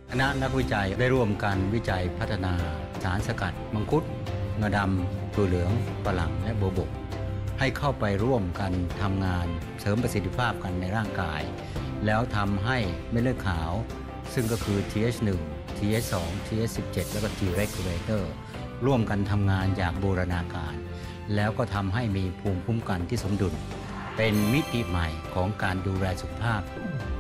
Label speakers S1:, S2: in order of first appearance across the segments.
S1: คณะนักวิจัยได้ร่วมกันวิจัยพัฒนาสารสกัดมังคุดงาดำถั่วเหลืองฝรั่งและโบวบกให้เข้าไปร่วมกันทำงานเสริมประสิทธิภาพกันในร่างกายแล้วทำให้เม็ดเลือดขาวซึ่งก็คือ TH1 TH2 TH17 แล้วก็ T regulator ร่วมกันทำงานอย่างบูรณาการแล้วก็ทำให้มีภูมิคุ้มกันที่สมดุลเป็นมิติใหม่ของการดูแลสุขภาพ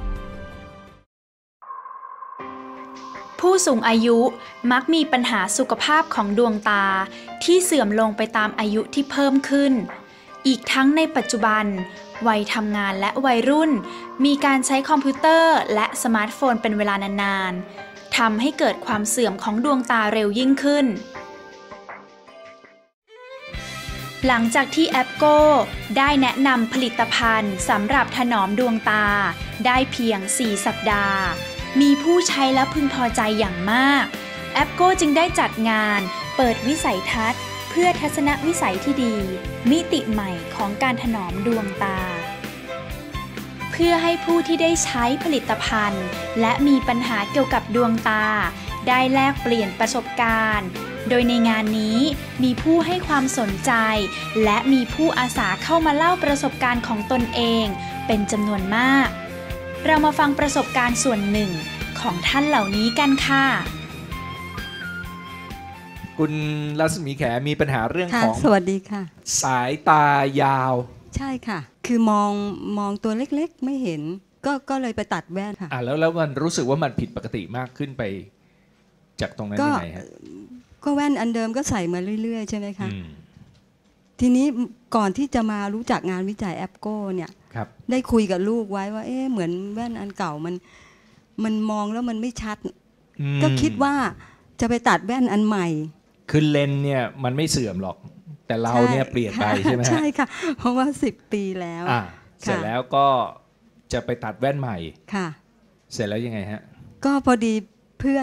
S2: ผู้สูงอายุมักมีปัญหาสุขภาพของดวงตาที่เสื่อมลงไปตามอายุที่เพิ่มขึ้นอีกทั้งในปัจจุบันวัยทำงานและวัยรุ่นมีการใช้คอมพิวเตอร์และสมาร์ทโฟนเป็นเวลานานๆทำให้เกิดความเสื่อมของดวงตาเร็วยิ่งขึ้นหลังจากที่แอปโก้ได้แนะนำผลิตภัณฑ์สำหรับถนอมดวงตาได้เพียง 4 สัปดาห์มีผู้ใช้และพึงพอใจอย่างมากแอปโก้จึงได้จัดงานเปิดวิสัยทัศน์เพื่อทัศนวิสัยที่ดีมิติใหม่ของการถนอมดวงตาเพื่อให้ผู้ที่ได้ใช้ผลิตภัณฑ์และมีปัญหาเกี่ยวกับดวงตาได้แลกเปลี่ยนประสบการณ์โดยในงานนี้มีผู้ให้ความสนใจและมีผู้อาสาเข้ามาเล่าประสบการณ์ของตนเองเป็นจำนวนมากเรามาฟังประสบการณ์ส่วนหนึ่งของท่านเหล่านี้กันค่ะ
S3: คุณรัศมีแขมีปัญหาเรื่องของ
S4: สวัสดีค่ะ
S3: สายตายาว
S4: ใช่ค่ะคือมองตัวเล็กๆไม่เห็นก็เลยไปตัดแว่นค่ะ
S3: แล้วมันรู้สึกว่ามันผิดปกติมากขึ้นไปจากตรงนั้นยังไงฮะ
S4: ก็แว่นอันเดิมก็ใส่มาเรื่อยๆใช่ไหมคะทีนี้ก่อนที่จะมารู้จักงานวิจัยแอปโก้เนี่ยได้คุยกับลูกไว้ว่าเหมือนแว่นอันเก่ามันมองแล้วมันไม่ชัดก็คิดว่าจะไปตัดแว่นอันใหม่
S3: คือเลนเนี่ยมันไม่เสื่อมหรอกแต่เราเนี่ยเปลี่ยนไปใช่ไหม
S4: ใช่ค่ะเพราะว่า10 ปีแล้ว
S3: เสร็จแล้วก็จะไปตัดแว่นใหม่
S4: ค่ะ
S3: เสร็จแล้วยังไงฮะ
S4: ก็พอดีเพื่อน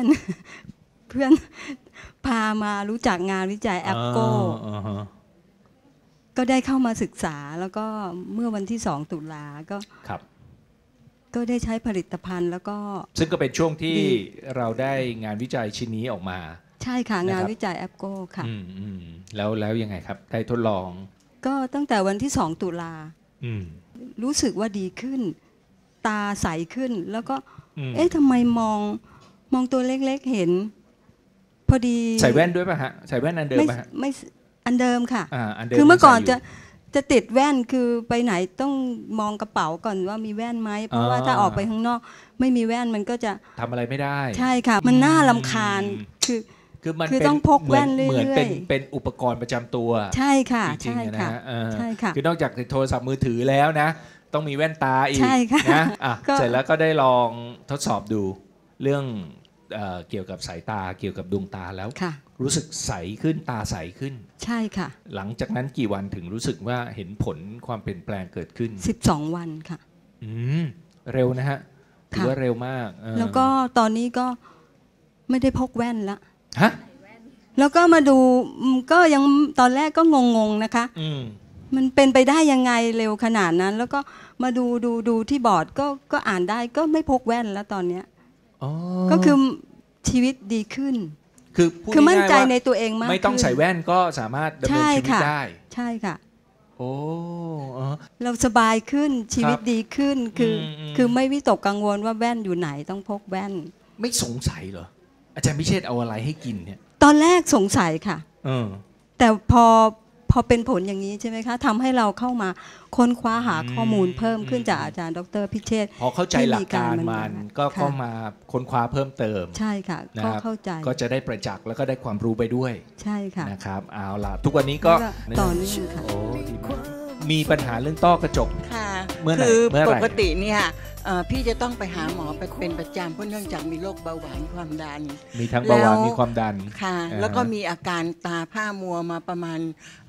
S4: พามารู้จักงานวิจัยแอปโก้ก็ได้เข้ามาศึกษาแล้วก็เมื่อวันที่2 ตุลาก็ได้ใช้ผลิตภัณฑ์แล้วก็
S3: ซึ่งก็เป็นช่วงที่เราได้งานวิจัยชิ้นนี้ออกมา
S4: ใช่ค่ะงานวิจัยแอปโก้ค่ะ
S3: แล้วยังไงครับได้ทดลอง
S4: ก็ตั้งแต่วันที่2 ตุลารู้สึกว่าดีขึ้นตาใสขึ้นแล้วก็ทำไมมองตัวเล็กๆเห็นพอดี
S3: ใส่แว่นด้วยป่ะฮะใส่แว่นอันเดิมป่ะฮะ
S4: ไม่อันเดิมค่ะคือเมื่อก่อนจะติดแว่นคือไปไหนต้องมองกระเป๋าก่อนว่ามีแว่นไหมเพราะว่าถ้าออกไปข้างนอกไม่มีแว่นมันก็จะ
S3: ทำอะไรไม่ได้
S4: ใช่ค่ะมันน่ารำคาญคือต้องพกแว่นเรื่อยๆ
S3: เหมือนเป็นอุปกรณ์ประจำตัว
S4: ใช่ค่ะ
S3: จริงๆนะ
S4: ใช่ค่ะ
S3: คือนอกจากโทรศัพท์มือถือแล้วนะต้องมีแว่นตาอีกนะเสร็จแล้วก็ได้ลองทดสอบดูเรื่องเกี่ยวกับสายตาเกี่ยวกับดวงตาแล้วรู้สึกใสขึ้นตาใสขึ้น
S4: ใช่ค่ะ
S3: หลังจากนั้นกี่วันถึงรู้สึกว่าเห็นผลความเปลี่ยนแปลงเกิดขึ้น
S4: 12 วันค่ะ
S3: เร็วนะฮะถือว่าเร็วมาก
S4: แล้วก็ตอนนี้ก็ไม่ได้พกแว่นละ
S3: ฮะ
S4: แล้วก็มาดูก็ยังตอนแรกก็งงๆนะคะมันเป็นไปได้ยังไงเร็วขนาดนั้นแล้วก็มาดูที่บอร์ดก็อ่านได้ก็ไม่พกแว่นแล้วตอนเนี้ยก็คือชีวิตดีขึ้นคือมั่นใจในตัวเองมาก
S3: ไม่ต้องใส่แว่นก็สามารถดำเนินชีวิตได้
S4: ใช่ค่ะ
S3: โอ้
S4: เราสบายขึ้นชีวิตดีขึ้นคือไม่วิตกกังวลว่าแว่นอยู่ไหนต้องพกแว่น
S3: ไม่สงสัยเหรออาจารย์พิเชษเอาอะไรให้กินเนี่ย
S4: ตอนแรกสงสัยค่ะแต่พอเป็นผลอย่างนี้ใช่ไหมคะทำให้เราเข้ามาค้นคว้าหาข้อมูลเพิ่มขึ้นจากอาจารย์ดร.พิเชษฐ์
S3: พอเข้าใจหลักการมันก็มาค้นคว้าเพิ่มเติม
S4: ใช่ค่ะก็เข้าใจ
S3: ก็จะได้ประจักษ์แล้วก็ได้ความรู้ไปด้วย
S4: ใช่ค่ะ
S3: นะครับเอาล่ะทุกวันนี้ก็
S4: ต่อเนื่องค่ะ
S3: มีปัญหาเรื่องต้อกระจก
S5: ค่ะคือปกติเนี่ยพี่จะต้องไปหาหมอไปเป็นประจำเพราะเนื่องจากมีโรคเบาหวานความดัน
S3: มีทั้งเบาหวานมีความดัน
S5: ค่ะแล้วก็มีอาการตาผ้ามัวมาประมาณ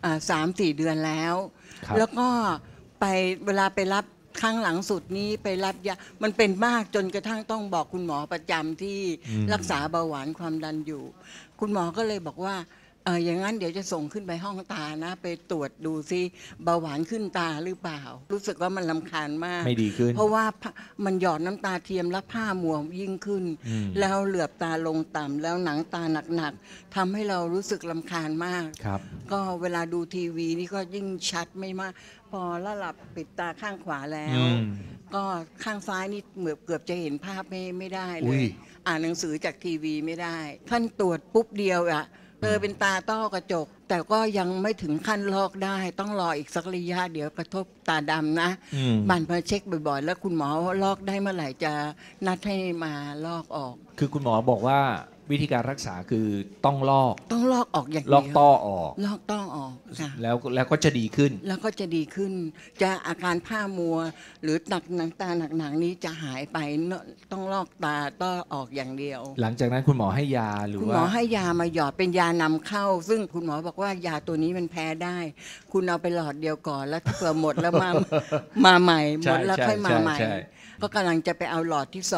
S5: 3-4 เดือนแล้วแล้วก็เวลาไปรับครั้งหลังสุดนี้ไปรับยามันเป็นมากจนกระทั่งต้องบอกคุณหมอประจำที่รักษาเบาหวานความดันอยู่คุณหมอก็เลยบอกว่าอย่างนั้นเดี๋ยวจะส่งขึ้นไปห้องตานะไปตรวจดูซิเบาหวานขึ้นตาหรือเปล่ารู้สึกว่ามันรำคาญมาก
S3: ไม่ดีขึ้น
S5: เพราะว่ามันหยอดน้ำตาเทียมแล้วผ้ามัวยิ่งขึ้นแล้วเหลือบตาลงต่ำแล้วหนังตาหนักๆทำให้เรารู้สึกรำคาญมากก็เวลาดูทีวีนี่ก็ยิ่งชัดไม่มากพอละหลับปิดตาข้างขวาแล้วก็ข้างซ้ายนี่เกือบจะเห็นภาพไม่ได้เลยอ่านหนังสือจากทีวีไม่ได้ท่านตรวจปุ๊บเดียวเป็นตาต้อกระจกแต่ก็ยังไม่ถึงขั้นลอกได้ต้องรออีกสักระยะเดี๋ยวกระทบตาดำนะบันมาเช็คบ่อยๆแล้วคุณหมอลอกได้เมื่อไหร่จะนัดให้มาลอกออก
S3: คือคุณหมอบอกว่าวิธีการรักษาคือต้องลอก
S5: ออกอย่างเดียว
S3: ลอกต้อออก
S5: ลอกต้อออก
S3: แล้วก็จะดีขึ้น
S5: จะอาการผ้ามัวหรือหนังตาหนักนี้จะหายไปต้องลอกตาต้อออกอย่างเดียว
S3: หลังจากนั้นคุณหมอให้ยาหรือว่า
S5: คุณหมอให้ยามาหยอดเป็นยานำเข้าซึ่งคุณหมอบอกว่ายาตัวนี้มันแพ้ได้คุณเอาไปหลอดเดียวก่อนแล้วถ้าเผื่อหมดแล้วมาใหม่หมดแล้วค่อยมาใหม่ก็กำลังจะไปเอาหลอดที่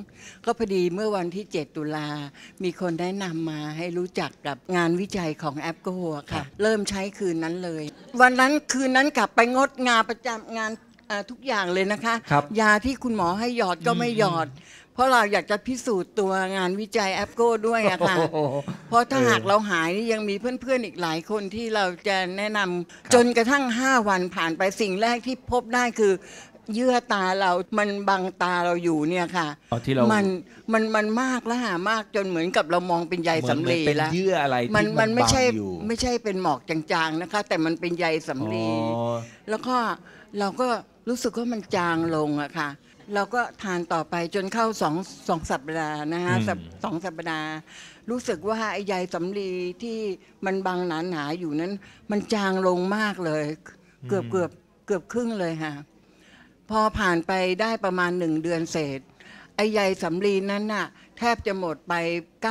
S5: 2ก็พอดีเมื่อวันที่7 ตุลามีคนได้นำมาให้รู้จักกับงานวิจัยของแอปโกค่ะเริ่มใช้คืนนั้นเลยวันนั้นคืนนั้นกลับไปงดงานประจำงานทุกอย่างเลยนะคะยาที่คุณหมอให้หยอดก็ไม่หยอดเพราะเราอยากจะพิสูจน์ตัวงานวิจัยแอปโกด้วยอะค่ะเพราะถ้าหากเราหายนี่ยังมีเพื่อนๆอีกหลายคนที่เราจะแนะนำจนกระทั่ง5 วันผ่านไปสิ่งแรกที่พบได้คือเยื่อตาเรามันบังตาเราอยู่เนี่ยค่ะมันมากและหามากจนเหมือนกับเรามองเป็นใยสำลีแล้ว
S3: เป็นเยื่ออะไรที่
S5: มันไม่ใช่เป็นหมอกจางๆนะคะแต่มันเป็นใยสำลีแล้วก็เราก็รู้สึกว่ามันจางลงอะค่ะเราก็ทานต่อไปจนเข้า2 สัปดาห์นะคะ2 สัปดาห์รู้สึกว่าไอ้ใยสำลีที่มันบังหนาๆอยู่นั้นมันจางลงมากเลยเกือบครึ่งเลยค่ะพอผ่านไปได้ประมาณ1 เดือนเศษไอ้ใยสำลีนั้นน่ะแทบจะหมดไป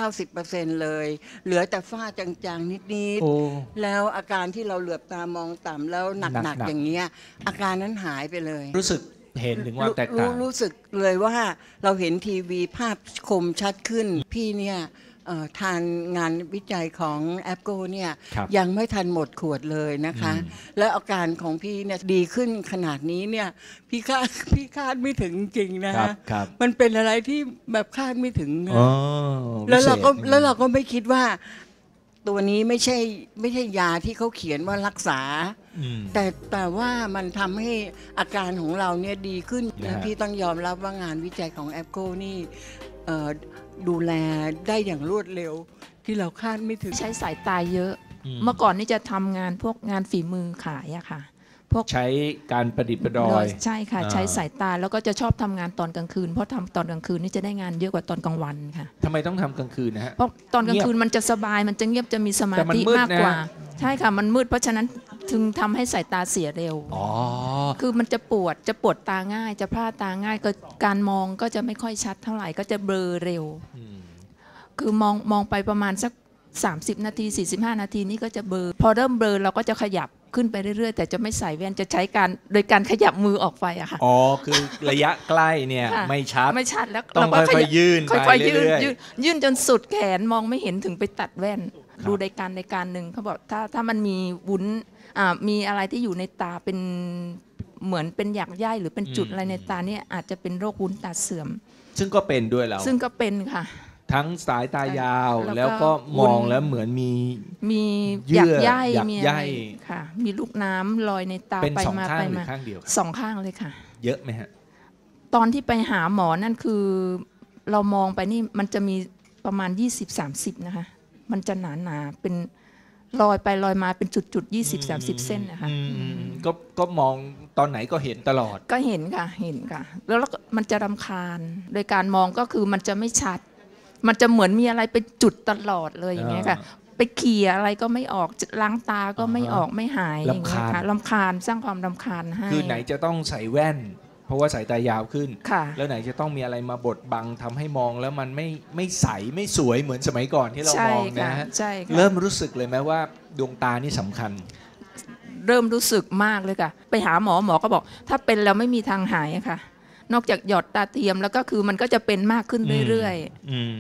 S5: 90% เลยเหลือแต่ฝ้าจางๆนิดๆแล้วอาการที่เราเหลือบตามองต่ำแล้วหนักๆอย่างเงี้ยอาการนั้นหายไปเลย
S3: รู้สึกเห็นถึงว่าแตกต่าง
S5: รู้สึกเลยว่าเราเห็นทีวีภาพคมชัดขึ้นพี่เนี่ยทานงานวิจัยของแอปโกเนี่ยยังไม่ทันหมดขวดเลยนะคะแล้วอาการของพี่เนี่ยดีขึ้นขนาดนี้เนี่ยพี่คาดไม่ถึงจริงนะมันเป็นอะไรที่แบบคาดไม่ถึงแล้วเราก็ไม่คิดว่าตัวนี้ไม่ใช่ยาที่เขาเขียนว่ารักษาแต่ว่ามันทำให้อาการของเราเนี่ยดีขึ้นและพี่ต้องยอมรับว่างานวิจัยของแอปโกนี่ดูแลได้อย่างรวดเร็วที่เราคาดไม่ถึง
S6: ใช้สายตาเยอะเมื่อก่อนนี่จะทำงานพวกงานฝีมือขายอะค่ะ
S3: พวกใช้การประดิษฐ์ประดอย
S6: ใช่ค่ะใช้สายตาแล้วก็จะชอบทำงานตอนกลางคืนเพราะทำตอนกลางคืนนี่จะได้งานเยอะกว่าตอนกลางวันค่ะ
S3: ทำไมต้องทำกลางคืนนะฮะ
S6: เพราะตอนกลางคืนมันจะสบายมันจะเงียบจะมีสมาธิมากกว่าใช่ค่ะมันมืดเพราะฉะนั้นถึงทำให้สายตาเสียเร็วคือมันจะปวดตาง่ายจะพลาดตาง่ายก็การมองก็จะไม่ค่อยชัดเท่าไหร่ก็จะเบลอเร็วคือมองไปประมาณสัก30 นาที45 นาทีนี่ก็จะเบลอพอเริ่มเบลอเราก็จะขยับขึ้นไปเรื่อยๆแต่จะไม่ใส่แว่นจะใช้โดยการขยับมือออกไปอะค่ะ
S3: คือระยะใกล้เนี่ยไม่ชัด
S6: แล้ว
S3: ต้องค่อยๆยื่นไปเรื่อย
S6: ๆยื่นจนสุดแขนมองไม่เห็นถึงไปตัดแว่นดูรายการหนึ่งเขาบอกถ้ามันมีวุ้นมีอะไรที่อยู่ในตาเป็นเหมือนเป็นหยักใยหรือเป็นจุดอะไรในตาเนี่ยอาจจะเป็นโรควุ้นตาเสื่อม
S3: ซึ่งก็เป็นด้วยแล้ว
S6: ซึ่งก็เป็นค่ะ
S3: ทั้งสายตายาวแล้วก็มองแล้วเหมือน
S6: มีหยักใยมีอะไรค่ะมีลูกน้ำลอยในตาไปมา
S3: ไปมา
S6: 2 ข้างเลยค่ะ
S3: เยอะไหมฮะ
S6: ตอนที่ไปหาหมอนั่นคือเรามองไปนี่มันจะมีประมาณ20-30นะคะมันจะหนาเป็นลอยไปลอยมาเป็นจุด20-30 เส้นนะคะ
S3: ก็มองตอนไหนก็เห็นตลอด
S6: ก็เห็นค่ะแล้วมันจะรำคาญโดยการมองก็คือมันจะไม่ชัดมันจะเหมือนมีอะไรเป็นจุดตลอดเลยอย่างเงี้ยค่ะไปเขี่ยอะไรก็ไม่ออกล้างตาก็ไม่ออกไม่หายอย่างเงี้ยค่ะรำคาญสร้างความรำคาญให้
S3: คือไหนจะต้องใส่แว่นเพราะว่าสายตายาวขึ้นแล้วไหนจะต้องมีอะไรมาบดบังทำให้มองแล้วมันไม่ใสไม่สวยเหมือนสมัยก่อนที่เรามองนะฮะเริ่มรู้สึกเลยไหมว่าดวงตานี่สำคัญ
S6: เริ่มรู้สึกมากเลยค่ะไปหาหมอก็บอกถ้าเป็นแล้วไม่มีทางหายค่ะนอกจากหยอดตาเทียมแล้วก็คือมันก็จะเป็นมากขึ้นเรื่อยๆค่ะ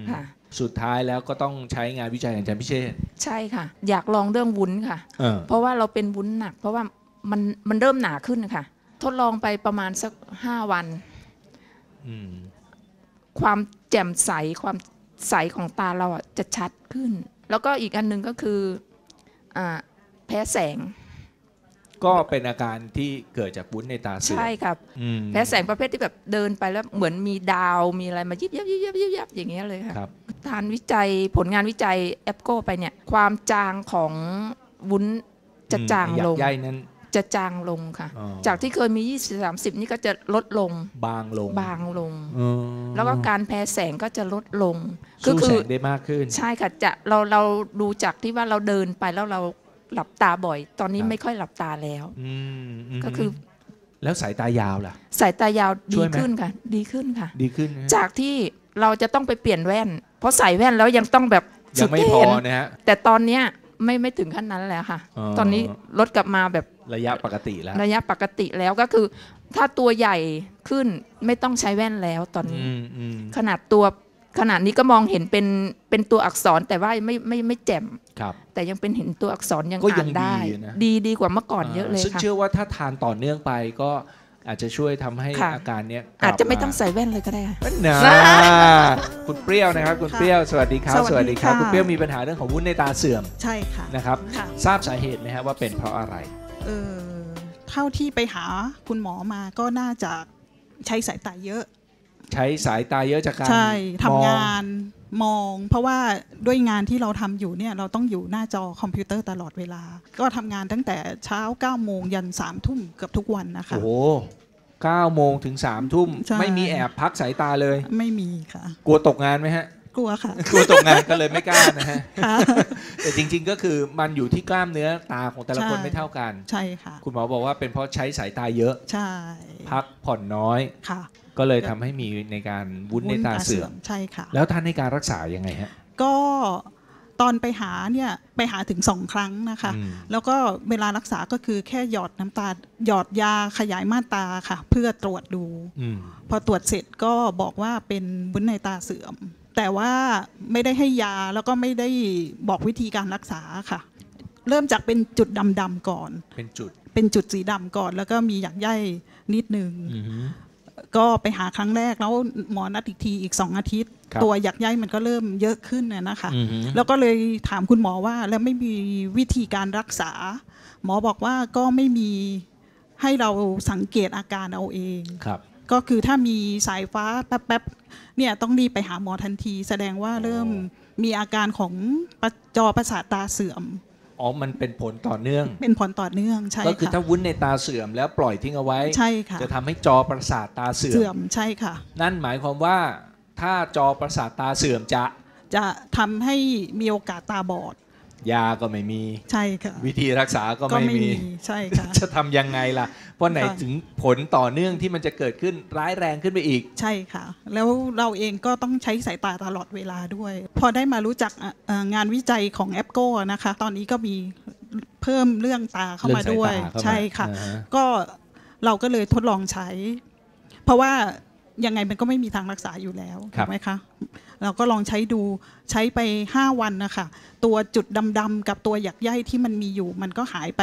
S3: สุดท้ายแล้วก็ต้องใช้งานวิจัยของอาจารย์พิเชษฐ์
S6: ใช่ค่ะอยากลองเรื่องวุ้นค่ะเพราะว่าเราเป็นวุ้นหนักเพราะว่ามันเริ่มหนาขึ้นค่ะทดลองไปประมาณสัก5 วันความแจ่มใสความใสของตาเราจะชัดขึ้นแล้วก็อีกอันนึงก็คือแพ้แสง
S3: ก็เป็นอาการที่เกิดจากวุ้นในตาเสื่อม
S6: ใช่ครับแพ้แสงประเภทที่แบบเดินไปแล้วเหมือนมีดาวมีอะไรมายิบยับอย่างเงี้ยเลยค่ะทานวิจัยผลงานวิจัยแอปโก้ไปเนี่ยความจางของวุ้นจะจางลงจะจางลงค่ะจากที่เคยมี20-30นี่ก็จะลดลง
S3: บางลง
S6: แล้วก็การแพ้แสงก็จะลดลง
S3: สู้แสงได้มากขึ้น
S6: ใช่ค่ะจะเราดูจากที่ว่าเราเดินไปแล้วเราหลับตาบ่อยตอนนี้ไม่ค่อยหลับตาแล้วก็คือ
S3: แล้วสายตายาวล่ะ
S6: สายตายาวดีขึ้นค่ะดีขึ้นจากที่เราจะต้องไปเปลี่ยนแว่นเพราะใส่แว่นแล้วยังต้องแบบ
S3: ยังไม่พอนะฮะ
S6: แต่ตอนเนี้ยไม่ถึงขั้นนั้นแล้วค่ะตอนนี้ลดกลับมาแบบ
S3: ระยะปกติแล้ว
S6: ก็คือถ้าตัวใหญ่ขึ้นไม่ต้องใช้แว่นแล้วตอนนี้ขนาดนี้ก็มองเห็นเป็นตัวอักษรแต่ว่าไม่แจ่มแต่ยังเป็นเห็นตัวอักษรยังอ่านได้ดีกว่าเมื่อก่อนเยอะเลยค่ะ
S3: ซึ่งเชื่อว่าถ้าทานต่อเนื่องไปก็อาจจะช่วยทำให้อาการนี้
S6: อาจจะไม่ต้องใส่แว่นเลยก็ได้
S3: นะคุณเปรี้ยวนะครับคุณเปรี้ยวสวัสดีครับสวัสดีครับคุณเปรี้ยวมีปัญหาเรื่องของวุ้นในตาเสื่อม
S7: ใช่ค่ะ
S3: นะครับทราบสาเหตุไหมครับว่าเป็นเพราะอะไร
S7: เท่าที่ไปหาคุณหมอมาก็น่าจะใช้สายตาเยอะ
S3: ใช้สายตาเยอะจากการ
S7: ใช่ทำงานมองเพราะว่าด้วยงานที่เราทำอยู่เนี่ยเราต้องอยู่หน้าจอคอมพิวเตอร์ตลอดเวลาก็ทำงานตั้งแต่เช้า 9 โมงยัน 3 ทุ่มเกือบทุกวันนะคะ
S3: โอ้โห9 โมงถึง 3 ทุ่มไม่มีแอบพักสายตาเลย
S7: ไม่มีค่ะ
S3: กลัวตกงานไหมฮะ
S7: กลัวค่ะ
S3: กลัวตกงานก็เลยไม่กล้านะฮะแต่จริงๆก็คือมันอยู่ที่กล้ามเนื้อตาของแต่ละคนไม่เท่ากัน
S7: ใช่ค่ะ
S3: คุณหมอบอกว่าเป็นเพราะใช้สายตาเยอะ
S7: ใช่
S3: พักผ่อนน้อย
S7: ค่ะ
S3: ก็เลยทำให้มีในการวุ้นในตาเสื่อม
S7: ใช่ค่ะ
S3: แล้วท่านในการรักษายังไงฮะ
S7: ก็ตอนไปหาเนี่ยไปหาถึง2 ครั้งนะคะแล้วก็เวลารักษาก็คือแค่หยอดน้ำตาหยอดยาขยายม่านตาค่ะเพื่อตรวจดูพอตรวจเสร็จก็บอกว่าเป็นวุ้นในตาเสื่อมแต่ว่าไม่ได้ให้ยาแล้วก็ไม่ได้บอกวิธีการรักษาค่ะเริ่มจากเป็นจุดดำๆก่อน
S3: เป็น
S7: จุดสีดำก่อนแล้วก็มีหยักใยนิดนึงก็ไปหาครั้งแรกแล้วหมอนัดอีกทีอีก2 อาทิตย์ตัวหยักใยมันก็เริ่มเยอะขึ้นนะคะแล้วก็เลยถามคุณหมอว่าแล้วไม่มีวิธีการรักษาหมอบอกว่าก็ไม่มีให้เราสังเกตอาการเอาเองก็คือถ้ามีสายฟ้าแป๊บๆเนี่ยต้องรีบไปหาหมอทันทีแสดงว่าเริ่มมีอาการของจอประสาทตาเสื่อม
S3: มันเป็นผลต่อเนื่อง
S7: ใช่ค่ะ
S3: ก็คือถ้าวุ้นในตาเสื่อมแล้วปล่อยทิ้งเอาไว้
S7: ใช่ค่ะ
S3: จะทำให้จอประสาทตาเสื่อม
S7: ใช่ค่ะ
S3: นั่นหมายความว่าถ้าจอประสาทตาเสื่อม
S7: จะทำให้มีโอกาสตาบอด
S3: ยาก็ไม่มี
S7: ใช่ค่ะ
S3: วิธีรักษาก็ไม่มี
S7: ใช่ค่ะ
S3: จะทำยังไงล่ะเพราะไหนถึงผลต่อเนื่องที่มันจะเกิดขึ้นร้ายแรงขึ้นไปอีก
S7: ใช่ค่ะแล้วเราเองก็ต้องใช้สายตาตลอดเวลาด้วยพอได้มารู้จักงานวิจัยของแอปโก้นะคะตอนนี้ก็มีเพิ่มเรื่องตาเข้ามาด้วยใช่ค่ะก็เราก็เลยทดลองใช้เพราะว่ายังไงมันก็ไม่มีทางรักษาอยู่แล้วถูกไหมคะเราก็ลองใช้ดูใช้ไป5 วันนะคะตัวจุดดำๆกับตัวหยักใยที่มันมีอยู่มันก็หายไป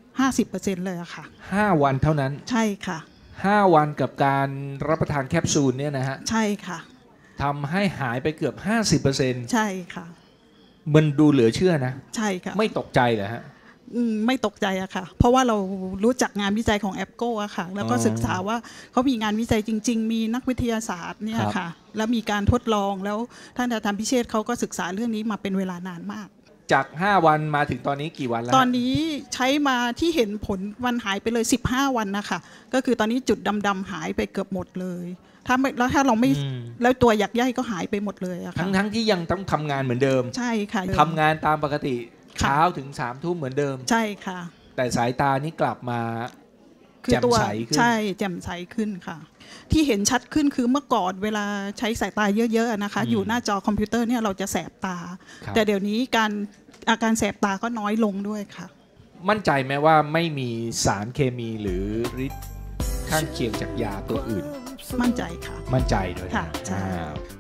S7: 50% เลยอะค่ะ
S3: 5 วันเท่านั้น
S7: ใช่ค่ะ
S3: 5 วันกับการรับประทานแคปซูลเนี่ยนะฮะ
S7: ใช่ค่ะ
S3: ทำให้หายไปเกือบ 50%
S7: ใช่ค่ะ
S3: มันดูเหลือเชื่อนะ
S7: ใช่ค่ะ
S3: ไม่ตกใจเหรอฮะ
S7: ไม่ตกใจอะค่ะเพราะว่าเรารู้จักงานวิจัยของแอปโก้อะค่ะแล้วก็ศึกษาว่าเขามีงานวิจัยจริงๆมีนักวิทยาศาสตร์เนี่ยค่ะแล้วมีการทดลองแล้วท่านอาจารย์พิเชษฐ์เขาก็ศึกษาเรื่องนี้มาเป็นเวลานานมาก
S3: จาก5 วันมาถึงตอนนี้กี่วันแล้ว
S7: ตอนนี้ใช้มาที่เห็นผลวันหายไปเลย15 วันนะคะก็คือตอนนี้จุดดำๆหายไปเกือบหมดเลยถ้าเราไม่แล้วตัวหยักใยก็หายไปหมดเลยอะค่ะ
S3: ทั้งที่ยังต้องทำงานเหมือนเดิม
S7: ใช่ค่ะ
S3: ทำงานตามปกติเช้าถึง3 ทุ่มเหมือนเดิม
S7: ใช่ค่ะ
S3: แต่สายตานี้กลับมาแจ่มใสขึ้น
S7: ใช่แจ่มใสขึ้นค่ะที่เห็นชัดขึ้นคือเมื่อก่อนเวลาใช้สายตาเยอะๆนะคะอยู่หน้าจอคอมพิวเตอร์เนี่ยเราจะแสบตาแต่เดี๋ยวนี้อาการแสบตาก็น้อยลงด้วยค่ะ
S3: มั่นใจไหมว่าไม่มีสารเคมีหรือฤทธิ์ข้างเคียงจากยาตัวอื่น
S7: มั่นใจค่ะ
S3: มั่นใจด้วย
S7: ค่ะใช่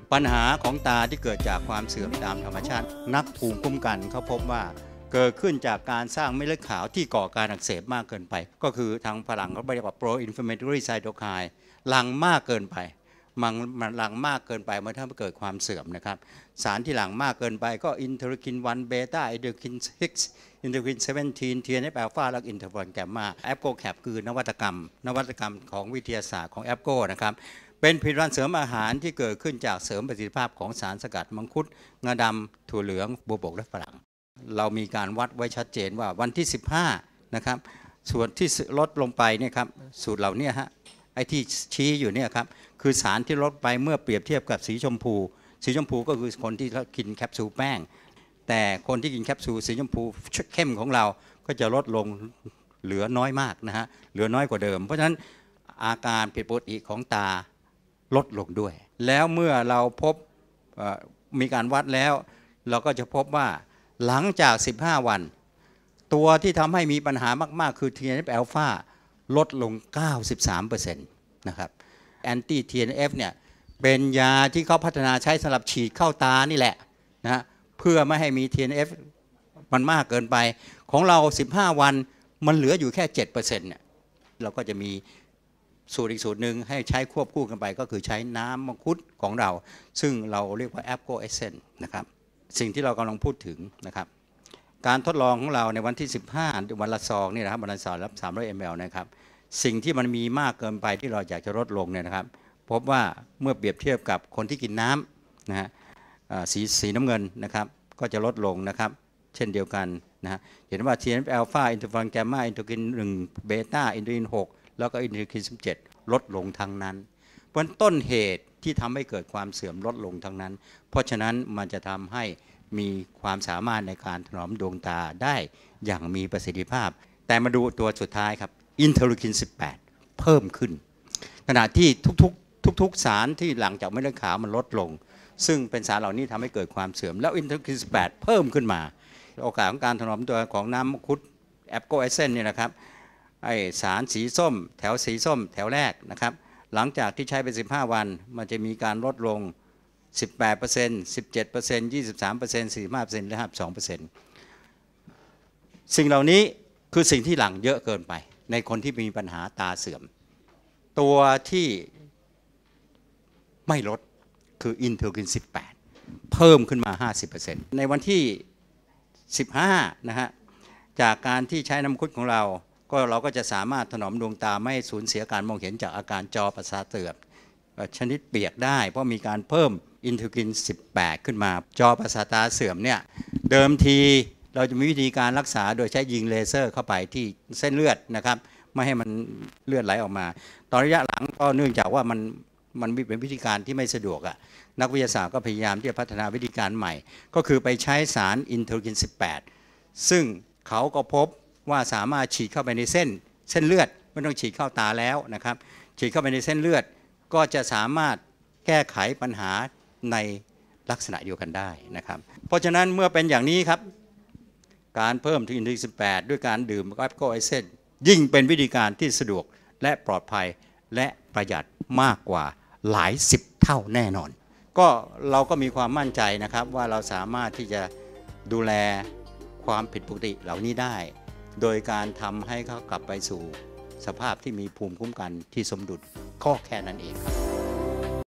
S1: ปัญหาของตาที่เกิดจากความเสื่อมตามธรรมชาตินักภูมิคุ้มกันเขาพบว่าเกิดขึ้นจากการสร้างเม็ดเลือดขาวที่ก่อการอักเสบมากเกินไปก็คือทางฝรั่งเขาเรียกว่า pro inflammatory cytokine หลั่งมากเกินไปมันหลั่งมากเกินไปเมื่อถ้าเกิดความเสื่อมนะครับสารที่หลั่งมากเกินไปก็อินเทอร์คิน1เบต้าอินเทอร์คิน6อินเทอร์คิน17 TNF อัลฟาและอินเทอร์ฟอนแกมมาแอปโกแคปคือนวัตกรรมของวิทยาศาสตร์ของแอปโกนะครับเป็นผลิตภัณฑ์เสริมอาหารที่เกิดขึ้นจากเสริมประสิทธิภาพของสารสกัดมังคุดงาดำถั่วเหลืองบัวบกและฝรั่งเรามีการวัดไว้ชัดเจนว่าวันที่15นะครับส่วนที่ลดลงไปเนี่ยครับสูตรเหล่านี้ฮะไอ้ที่ชี้อยู่เนี่ยครับคือสารที่ลดไปเมื่อเปรียบเทียบกับสีชมพูก็คือคนที่กินแคปซูลแป้งแต่คนที่กินแคปซูลสีชมพูเข้มของเราก็จะลดลงเหลือน้อยมากนะฮะเหลือน้อยกว่าเดิมเพราะฉะนั้นอาการผิดปกติของตาลดลงด้วยแล้วเมื่อเราพบมีการวัดแล้วเราก็จะพบว่าหลังจาก15วันตัวที่ทำให้มีปัญหามากๆคือ TNF อัลฟาลดลง 93% นะครับแอนตี้ TNF เนี่ยเป็นยาที่เขาพัฒนาใช้สำหรับฉีดเข้าตานี่แหละนะเพื่อไม่ให้มี TNF มันมากเกินไปของเรา15วันมันเหลืออยู่แค่ 7% เนี่ยเราก็จะมีสูตรอีกสูตรหนึ่งให้ใช้ควบคู่กันไปก็คือใช้น้ำมังคุดของเราซึ่งเราเรียกว่า Apgo Essence นะครับสิ่งที่เรากำลังพูดถึงนะครับการทดลองของเราในวันที่15วันละซองนี่นะครับวันละซองรับ300 ml นะครับสิ่งที่มันมีมากเกินไปที่เราอยากจะลดลงเนี่ยนะครับพบว่าเมื่อเปรียบเทียบกับคนที่กินน้ำนะฮะสีน้ำเงินนะครับก็จะลดลงนะครับเช่นเดียวกันนะฮะเห็นว่า TNF อัลฟาอินเทอร์ฟอนแกมมาอินเทอร์คิน1เบต้าอินเทอร์คิน6แล้วก็อินเทอร์คิน17ลดลงทั้งนั้นเพราะต้นเหตุที่ทำให้เกิดความเสื่อมลดลงทั้งนั้นเพราะฉะนั้นมันจะทำให้มีความสามารถในการถนอมดวงตาได้อย่างมีประสิทธิภาพแต่มาดูตัวสุดท้ายครับอินเทอร์คิน18เพิ่มขึ้นขณะที่ทุกสารที่หลังจากเม็ดเลือดขาวมันลดลงซึ่งเป็นสารเหล่านี้ทำให้เกิดความเสื่อมแล้วอินเทอร์คิน18เพิ่มขึ้นมาโอกาสของการถนอมตัวของน้ำมังคุดแอปโกเอเซนเนี่ยนะครับไอสารสีส้มแถวสีส้มแถวแรกนะครับหลังจากที่ใช้ไป15วันมันจะมีการลดลง 18% 17% 23% 45% และ 52% สิ่งเหล่านี้คือสิ่งที่หลังเยอะเกินไปในคนที่มีปัญหาตาเสื่อมตัวที่ไม่ลดคืออินเทอร์คิน18เพิ่มขึ้นมา 50% ในวันที่15นะฮะจากการที่ใช้น้ำมังคุดของเราก็จะสามารถถนอมดวงตาไม่ให้สูญเสียการมองเห็นจากอาการจอประสาทเสื่อมชนิดเปียกได้เพราะมีการเพิ่มอินเทอร์คิน18ขึ้นมาจอประสาทตาเสื่อมเนี่ยเดิมทีเราจะมีวิธีการรักษาโดยใช้ยิงเลเซอร์เข้าไปที่เส้นเลือดนะครับไม่ให้มันเลือดไหลออกมาตอนระยะหลังก็เนื่องจากว่ามันเป็นวิธีการที่ไม่สะดวกอ่ะนักวิทยาศาสตร์ก็พยายามที่จะพัฒนาวิธีการใหม่ก็คือไปใช้สารอินเทอร์คิน18ซึ่งเขาก็พบว่าสามารถฉีดเข้าไปในเส้นเลือดไม่ต้องฉีดเข้าตาแล้วนะครับฉีดเข้าไปในเส้นเลือดก็จะสามารถแก้ไขปัญหาในลักษณะเดียวกันได้นะครับเพราะฉะนั้นเมื่อเป็นอย่างนี้ครับการเพิ่มอินเทอร์คิน18ด้วยการดื่มแอปโกเอเซนยิ่งเป็นวิธีการที่สะดวกและปลอดภัยและประหยัดมากกว่าหลาย10เท่าแน่นอนก็เราก็มีความมั่นใจนะครับว่าเราสามารถที่จะดูแลความผิดปกติเหล่านี้ได้โดยการทำให้เขากลับไปสู่สภาพที่มีภูมิคุ้มกันที่สมดุลก็แค่นั้นเองครับ